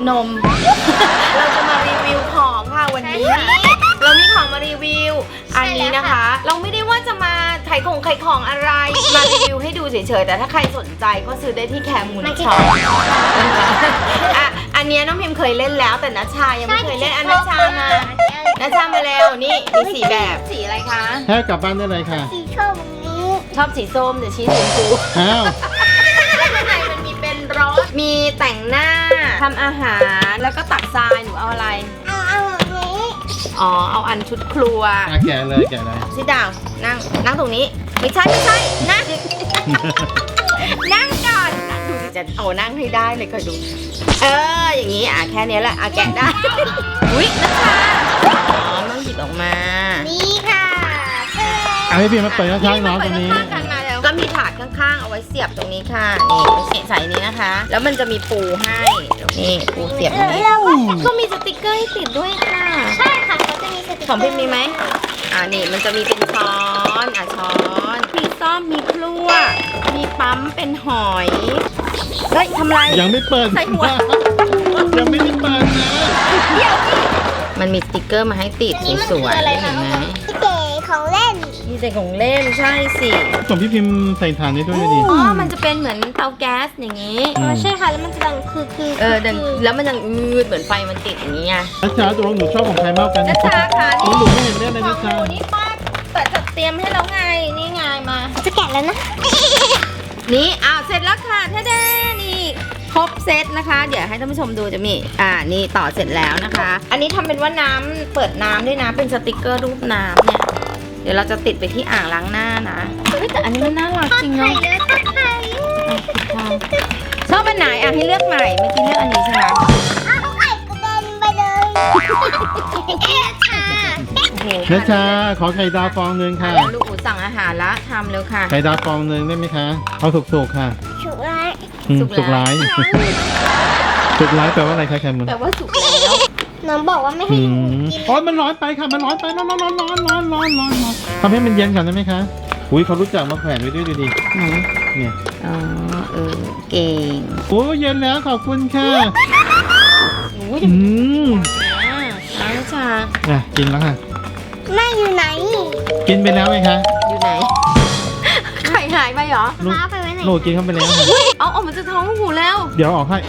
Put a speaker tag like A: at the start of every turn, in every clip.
A: นม เราจะมารีวิวของค่ะวันนี้ เรามีของมารีวิว อันนี้นะคะ เราไม่ได้ว่าจะมาขายของอะไร มารีวิวให้ดูเฉยๆ แต่ถ้าใครสนใจก็ซื้อได้ที่แคมูนช็อปอ่ะอันนี้น้องพิมเคยเล่นแล้วแต่นัชชายังไม่เคยเล่นอันนัชชามาแล้วนี่มีสีแบบสีอะไรคะ
B: แค่กลับบ้านได้เลยค่ะ
C: สีชมนี้
A: ชอบสีส้มเดี๋ยวชี้สีชมพู
B: อ้าว
A: ข้างในมันมีเป็นรถมีแต่งหน้าทำอาหารแล้วก็ตักทรายหนูเอาอะไร
C: เอาแบบนี้
A: อ๋อเอาอันชุดครัว
B: แกะเลยแกะเลย
A: ซิดาวนั่งตรงนี้ไม่ใช่นั่ง นั่งก่อนดูสิจะเอานั่งให้ได้เลยคอยดู อย่างนี้แค่นี้แหละแกะได้ อุ๊ยนะคะอ๋อต้องหยิบออกมา
C: นี่ค่ะ
B: เอาให้พี่มาเปิดข้างๆน้องตรงนี้
A: ก็มีถาดข้างๆเอาไว้เสียบตรงนี้ค่ะนี่ใส่นี้นะคะ แล้วมันจะมีปูให้นี่ปูเสียบตรงนี้ก็มีสติกเกอร์ให้ติดด้วยค่ะ
C: ใช่ค่ะเขาจะมีสติกเกอร์
A: ของพิมมีไหมนี่มันจะมีเป็นช้อนช้อนมีซ่อมมีพลั่วมีปั๊มเป็นหอยเฮ้ยทำไร
B: ยังไม่เปิด
A: ใส่หัว
B: ยังไม่ได้เปิดนะ
A: มันมีสติกเกอร์มาให้ติดสวยๆเห็นไหม
C: พี่เก๋ของเล่น
A: นี่ใส่ของเล่นใช่สิ
B: ส่งพี่พิมพ์ใส่ฐานนี้ด้วยดิ
A: อ๋อมันจะเป็นเหมือนเตาแก๊สอย่างนี้
C: ใช่ค่ะแล้วมันจะดังคือ
A: ดังแล้วมันยังเหมือนไฟมันติดอย่างนี้ไง
B: นัชชาตัวหนูชอบของใครมากกัน
A: นัชชาค่ะ
B: ห
A: นี่
B: นูไม่เห็นเล่นเลย
A: ขอ
B: นั
A: ง
B: ช
A: ห
B: ชา
A: นูนี่ป้าแต่จัดเตรียมให้แล้วไงนี่ไงมา
C: จะแกะแล้วนะ
A: นี่เสร็จแล้วค่ะท่าเด้นี่ครบเซตนะคะ เดี๋ยวให้ท่านผู้ชมดูจะมีนี่ต่อเสร็จแล้วนะคะ อันนี้ทำเป็นว่าน้ำเปิดน้ำด้วยนะเป็นสติกเกอร์รูปน้ำเนี่ยเดี๋ยวเราจะติดไปที่อ่างล้างหน้านะเฮ้ยแต่อันนี้มันน่ารักจริง
C: ไข่
A: เนาะ
C: เลยค่ะไข่
A: ชอบอันไหนให้เลือกใหม่เมื่อกี้เลือกอันนี้ใช่ไหม
C: เอาไข่กระเด็นไปเลยค่ะ
A: โอ้โห
B: นัชชาขอไข่ดาวฟองหนึ่งค่ะ
A: ลูกอู๋สั่งอาหารละทำเร็วค่ะ
B: ไข่ดาวฟองหนึ่งได้ไหมคะเอาสุกๆค่ะ
C: ฉุกไร
B: สุกร้ายสุกร้ายแปลว่าอะไรคะแคมุน
A: แปลว่าสุกแล้ว
C: น้องบอกว่าไม่ให้หนูกิน
B: โอ๊ยมันร้อนไปค่ะมันร้อนไปร้อนทำให้มันเย็นก่อนได้ไหมคะอุ้ยเขารู้จักมาแขวนไว้ด้วยดูดิ
A: ไหน
B: เนี่ย
A: อ๋อเก่ง
B: โอ้เย็นแล้วขอบคุณค่ะ
A: โอ้ย
B: อืม
A: น้ำชา
B: กินแล้วค่ะ
C: แม่อยู่ไหน
B: กินไปแล้วไหมคะ
A: อยู่ไหน ไข่หายไปเหรอ
B: ลูก
C: ฟ้าไปไว้ไหน
B: โหลกินเข้าไปแล้วค่ะ
A: เอาออกมาจากท้องลูกหูแล้ว
B: เดี๋ยวออกให้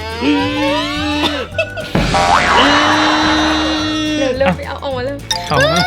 A: เร็วไปเอาออกมาเร็ว
B: เอานะ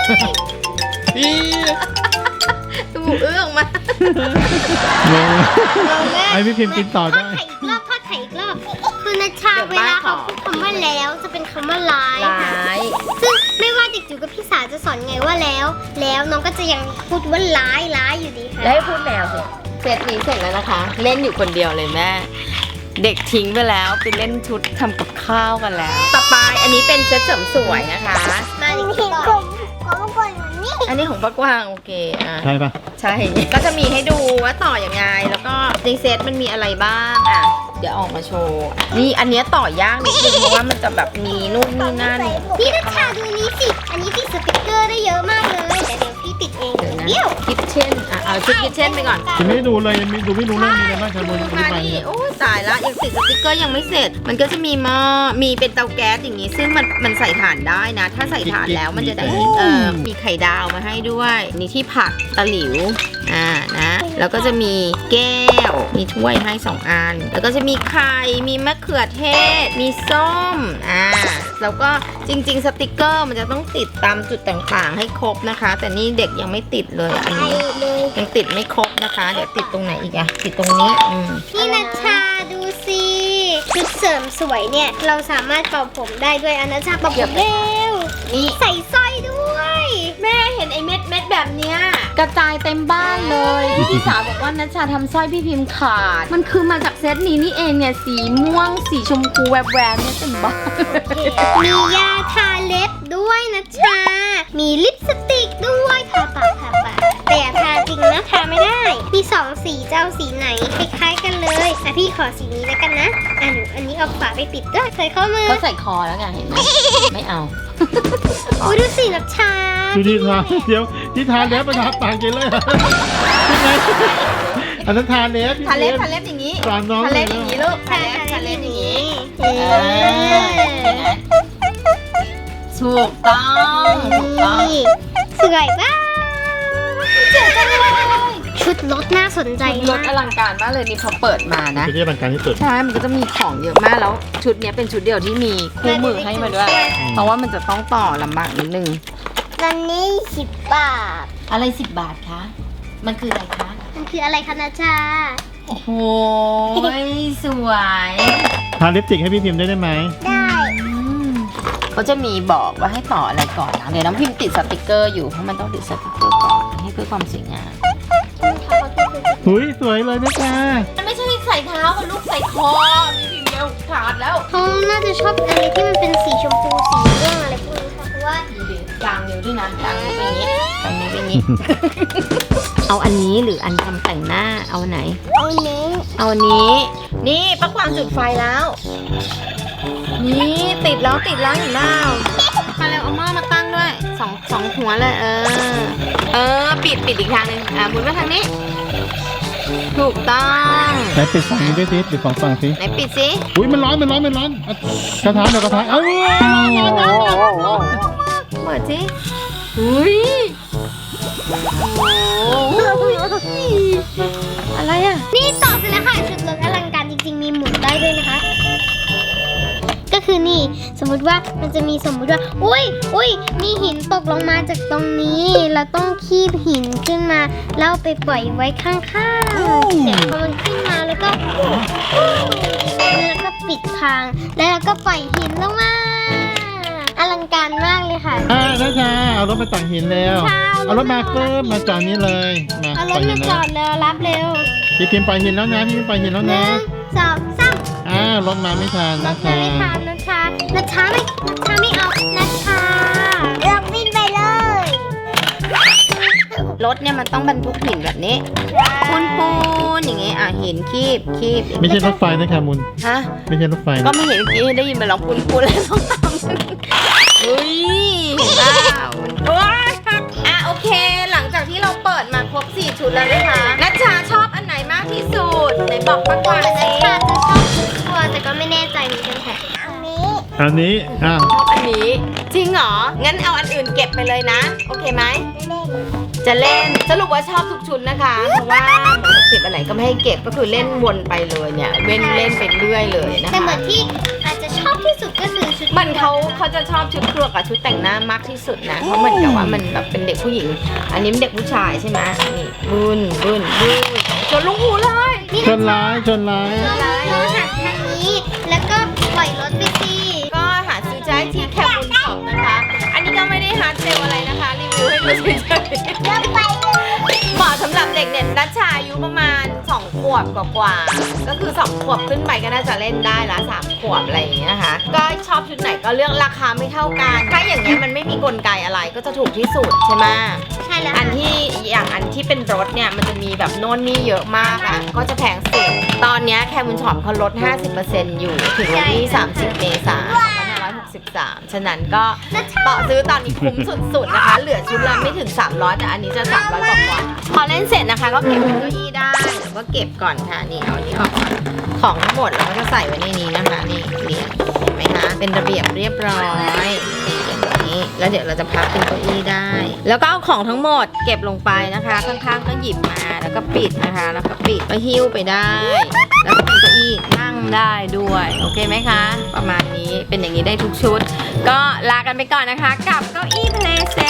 A: ลูกหูออกมา
B: งงไอพี่พิมพ์กินต่อได้
C: ทอดไข่อีกรอบคือนัชชาเวลาเขาพูดคำว่าแล้วจะเป็นคำว่าร้าย
A: ร้าย
C: ซึ่งไม่ว่าเด็กจิ๋วกับพี่สาวจะสอนไงว่าแล้วน้องก็จะยังพูดว่าร้ายอยู่ดีค่ะ
A: แล้วให้พูดแมวสิเซตนี้เสร็จแล้วนะคะ เล่นอยู่คนเดียวเลยแม่ เด็กทิ้งไปแล้วไปเล่นชุดทำกับข้าวกันแล้ว ต่อไปอันนี้เป็นเซตเสริมสวยนะคะ
C: มาดิคิดก่อนของก่อนนี่
A: อันนี้ของป้ากวางโอเค
B: ใช่ปะ
A: ใช่ ก็จะมีให้ดูว่าต่ออย่างไง แล้วก็ในเซตมันมีอะไรบ้างเดี๋ยวออกมาโชว์นี่อันเนี้ยต่อยากนิดนึงเพราะว่ามันจะแบบมีนู่นนี่นั่น
C: นี่นัชชาดูนี้สิอันนี้ติดสติกเกอร์ได้เยอะมากเลยแต่เดี๋ยวพี่ติดเอง
A: เดี๋ยวนะ
C: เดี๋ยว
A: คิทเช่นเอาชุดคิทเช่นไปก่อน
B: จะไม่ดูเลยดูไม่รู้เรื่องมีอะไรบ้างครับ
A: ดู
B: บน
A: มา
B: ไป
A: นี่
B: เนี่ย
A: โอ้ตายละยังติดสติกเกอร์ยังไม่เสร็จ มันก็จะมีหม้อมีเป็นเตาแก๊สอย่างงี้ ซึ่งมันใส่ถ่านได้นะ ถ้าใส่ถ่านแล้วมันจะได้มีไข่ดาวมาให้ด้วยนี่ที่ผักตะหลิวนะแล้วก็จะมีแก้วมีถ้วยให้2อันแล้วก็จะมีไข่มีมะเขือเทศ มีส้มแล้วก็จริงๆสติกเกอร์มันจะต้องติดตามจุดต่างๆให้ครบนะคะ แต่นี่เด็กยังไม่ติดเลยอันนี้ยังติดไม่ครบนะคะ เดี๋ยวติดตรงไหนอีกติดตรงนี้
C: พี่นัชชาดูสิชุดเสริมสวยเนี่ยเราสามารถเป่าผมได้ด้วยอันนัชชาเป่าผมเร็ว
A: นี่
C: ใส่สร้อยด้วย
A: แม่เห็นไอ้เม็ดแบบเนี้ยกระจายเต็มบ้านเลยพี่สาวบอกว่านัชชาทำสร้อยพี่พิมพ์ขาดมันคือมาจากเซตนี้นี่เองเนี่ยสีม่วงสีชมพูแวบๆเนี่ยเต็มบ้าน
C: มียาทาเล็บด้วยนัชชามีลิปสติกด้วยทาปากแต่อย่าทาจริงนะทาไม่ได้มี2สีจะเอาสีไหนคล้ายๆกันเลยพี่ขอสีนี้แล้วกันนะหนูอันนี้เอาฝาไปปิดด้วยใส่ข้อมือ
A: เขาใส่คอแล้วไงเห็นไหมไม่เอา
C: อุ้ยดูสินัชชา
B: ดูที่ทานเดี๋ยวที่ทานแล้วมาทาปากกินเลยยังไงอันนั้นทานแล้ว
A: ทาเล็บอย่างนี้
B: สอนน้อง
A: ทาเล็บอย่างนี้ลูก
C: ทาเล็บอย่างนี้เอ๊ะ
A: ถูกต้องถูกต้อง
C: นี่สวยมากชุดรถน่าสนใจ
A: ร
C: มา
A: ถ
C: ก
A: อลังการมากเลยนี่พอเปิดมานะ
B: คือที่อลังการที่สุด
A: ใช่ มันก็จะมีของเยอะมากแล้วชุดเนี้ยเป็นชุดเดียวที่มีคู่มือให้มาด้วย เพราะว่ามันจะต้องต่อลำบากนิดนึง
C: วันนี้10 บาท
A: อะไร10 บาทคะ มันคืออะไรคะ
C: มันคืออะไรคะนาชา
A: โอ้โหสวย
B: ทาลิปสติกให้พี่พิมพ์ได้ไหม
C: ได้
A: เขาจะมีบอกว่าให้ต่ออะไรก่อนนะเดี๋ยวน้องพิมพ์ติดสติกเกอร์อยู่เพราะมันต้องติดสติกเกอร์ก่อนให้เพื่อความสวยงาม
B: หุยสวยเลยนะคะ
A: มันไม่ใช่ใส่เท้ามันลูกใส่คอมีทีเดียวขาดแล้ว
C: เขาน่าจะชอบอะไรที่มันเป็นสีชมพูสีเรื่องอะไรพวกนี้ค่ะเพราะว่า
A: ดูดิกลางนิ้วด้วยนะกลางนิ้วเป็นอย่างนี้กลางนิ้วเป็นอย่างนี้ เอาอันนี้หรืออันทำแต่งหน้าเอาไหน
C: เอานี้
A: เอาอันนี้ นี่ป้ากวางจุดไฟแล้ว นี่ติดแล้วเห็นเปล่ามาเร็วเอาหม้อมาตั้งด้วยสองหัวเลยปิดอีกทางหนึงหมุนมาทางนี้ ถูกต้อง
B: ไหนปิดฝั่งนี้ด้วยสิปิดสองฝั่งสิ
A: ไหนปิดสิ
B: อุ้ยมันร้อนเอากระทะเดี๋ยวกระทะเอ้ย
A: เปิดสิอุ้ยโอ้อะไรอ่ะ
C: นี่ต่อเสร็จแล้วค่ะชุดรถอลังการจริงๆมีหมุนได้ด้วยนะคะ ก็คือนี่สมมุติว่ามันจะมีสมมุติว่าอุ้ยมีหินตกลงมาจากตรงนี้เราต้องคีบหินขึ้นมาแล้วเอาไปปล่อยไว้ข้างๆเสร็จพอมันขึ้นมาแล้วก็ปิดทางแล้วเราก็ปล่อยหินลงมาอลังการมากเลยค่ะ
B: นะจ๊ะเอารถมาตักหินแล้ว
C: ค่ะ
B: เอารถมาเพิ่มมาจอดนี้เลยมา
C: เอาร
B: ปล่
C: ถ
B: อยหิ
C: มาน จ
B: แล้
C: อ
B: ว
C: ดแล้วรับเร็ว
B: พี่พิมพ์ปล่อยหินแล้วนะพี่พิมพ์ปล่อยหินแล้ว
C: ห
B: นะ
C: นึ่งสองสาม
B: รถมาไม่ทัน
C: ร
B: นะ
C: ถ
B: คะ
C: ไม่ทันนัชชาไม่เอานัชชาเราวิ่งไปเลย
A: รถเนี่ยมันต้องบรรทุกหินแบบนี้ปูนอย่างงี้หินคีบ
B: ไม่ใช่รถไฟนะคะมุน
A: ฮะ
B: ไม่ใช่รถไฟ
A: ก็
B: นะ
A: ไม่เห็นเมื่อกี้ได้ยินมันร้องปูนแล้วต้องตามอุ้ยเห็นเปล่าโอ๊ยโอเค หลังจากที่เราเปิดมาครบ4ชุดแล้วนะคะนัชชาชอบอันไหนมากที่สุดไหนบอกป้ากวาง
C: นัช
A: สิ
C: ชาจะชอบทุกตัวแต่ก็ไม่แน่ใจเหมือนกันค่ะอันนี้
B: อันนี้
A: ชอบอันนี้จริงเหรองั้นเอาอันอื่นเก็บไปเลยนะโอเคไหม จะเล่นสรุปว่าชอบทุกชุดนะคะ เพราะว่าเหมือนกับเก็บอะไรก็ไม่ให้เก็บก็คือเล่นวนไปเลยเนี่ยเล่นไปเรื่อยเลยนะคะ
C: แต่เหมือนที่อาจจะชอบที่สุดก็คือชุด
A: มันเขาจะชอบชุดครัวกับชุดแต่งหน้ามากที่สุดนะเพราะเหมือนกับว่ามันแบบเป็นเด็กผู้หญิง อันนี้เป็นเด็กผู้ชายใช่ไหมนี่บุญจนลุงหูเลย
B: ชนร้าย
C: เราหักทางนี้แล้วก็ปล่อยรถไปสิ
A: ก็หาซื้อได้ที่แคมบุญช็อปนะคะ อันนี้ก็ไม่ได้ฮาร์ดเซลอะไรนะคะรีวิวให้ดูเฉยๆ
C: แล้วไปเลย
A: เหมาะสำหรับเด็กเนี่ยนัชชาอายุประมาณ2 ขวบกว่าๆก็คือ2 ขวบขึ้นไปก็น่าจะเล่นได้ละ3 ขวบอะไรอย่างเงี้ยนะคะก็ชอบชุดไหนก็เลือกราคาไม่เท่ากันถ้าอย่างเงี้ยมันไม่มีกลไกอะไรก็จะถูกที่สุดใช่ไหม
C: ใช่แล้ว
A: อันที่เป็นรถเนี่ยมันจะมีแบบโน่นนี่เยอะมากอ่ะก็จะแพงสุดตอนเนี้ยแคมุนช็อปเขาลด 50% อยู่ถึงวันที่30 เมษายน 2563 ฉะนั้นก็ต่อซื้อตอนนี้คุ้มสุดๆนะคะ เหลือชุดละไม่ถึง 300 แต่อันนี้จะ 300 กว่าพอเล่นเสร็จนะคะ ก็เก็บเป็นเก้าอี้ได้แล้วก็เก็บก่อนค่ะนี่เอาอันนี้ออกก่อนของทั้งหมดเราก็จะใส่ไว้ในนี้นะคะนี่เรียงเห็นไหมคะเป็นระเบียบเรียบร้อยอย่างนี้แล้วเดี๋ยวเราจะพับเป็นเก้าอี้ได้ แล้วก็เอาของทั้งหมดเก็บลงไปนะคะ ข้างๆก็หยิบมาแล้วก็ปิดนะคะ แล้วก็ปิดก็หิ้วไปได้ แล้วก็เป็นเก้าอี้นั่งได้ด้วยโอเคไหมคะ ประมาณนี้เป็นอย่างนี้ได้ทุกชุด ก็ลากันไปก่อนนะคะกับเก้าอี้เพลย์เซ